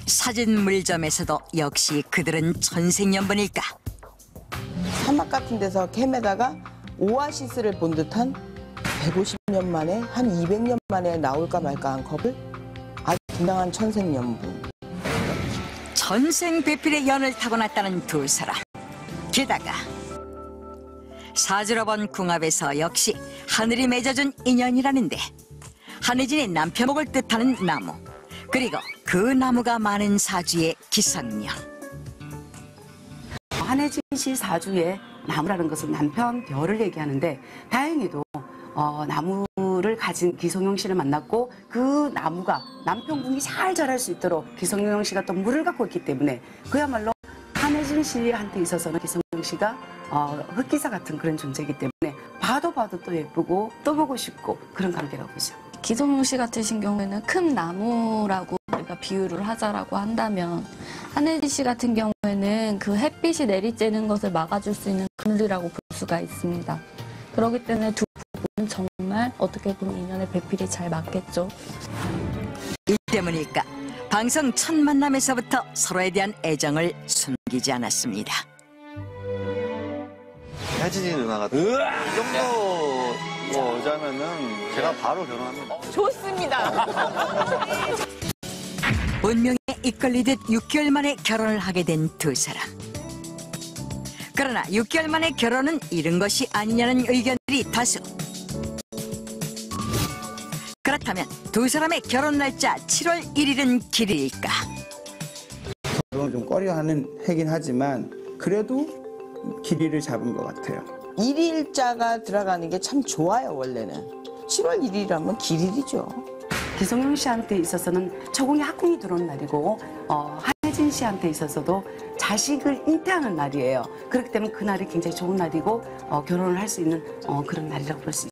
사진 물점에서도 역시 그들은 천생연분일까? 사막 같은 데서 캠에다가 오아시스를 본 듯한 150년 만에 한 200년 만에 나올까 말까 한 컵을 아주 분당한 천생연분. 천생배필의 연을 타고났다는 두 사람. 게다가 사주로 본 궁합에서 역시 하늘이 맺어준 인연이라는데 한혜진의 남편목을 뜻하는 나무, 그리고 그 나무가 많은 사주의 기상년. 한혜진 씨 사주의 나무라는 것은 남편 별을 얘기하는데 다행히도 나무를 가진 기성용 씨를 만났고 그 나무가 남편궁이 잘 자랄 수 있도록 기성용 씨가 또 물을 갖고 있기 때문에 그야말로 한혜진 씨한테 있어서는 기성용 씨가 흑기사 같은 그런 존재이기 때문에 봐도 또 예쁘고 또 보고 싶고 그런 관계라고 보죠. 기성용 씨 같으신 경우에는 큰 나무라고 우리가 비유를 하자라고 한다면 한혜진 씨 같은 경우에는 그 햇빛이 내리쬐는 것을 막아줄 수 있는 그늘이라고 볼 수가 있습니다. 그렇기 때문에 두 부부는 정말 어떻게 보면 인연의 배필이 잘 맞겠죠. 이 때문일까? 방송 첫 만남에서부터 서로에 대한 애정을 숨기지 않았습니다. 혜진이 누나가 이 정도 뭐 여자면은 제가 바로 결혼합니다. 좋습니다. 운명에 이끌리듯 6개월 만에 결혼을 하게 된 두 사람. 그러나 6개월 만에 결혼은 이른 것이 아니냐는 의견들이 다수. 그렇다면 두 사람의 결혼 날짜 7월 1일은 길일까? 결혼을 좀 꺼려하는 해긴 하지만 그래도 길이를 잡은 것 같아요. 일일자가 들어가는 게 참 좋아요, 원래는. 7월 1일이라면 길일이죠. 기성용 씨한테 있어서는 처공이 학궁이 들어온 날이고 한혜진 씨한테 있어서도 자식을 잉태하는 날이에요. 그렇기 때문에 그날이 굉장히 좋은 날이고 결혼을 할 수 있는 그런 날이라고 볼 수 있어요.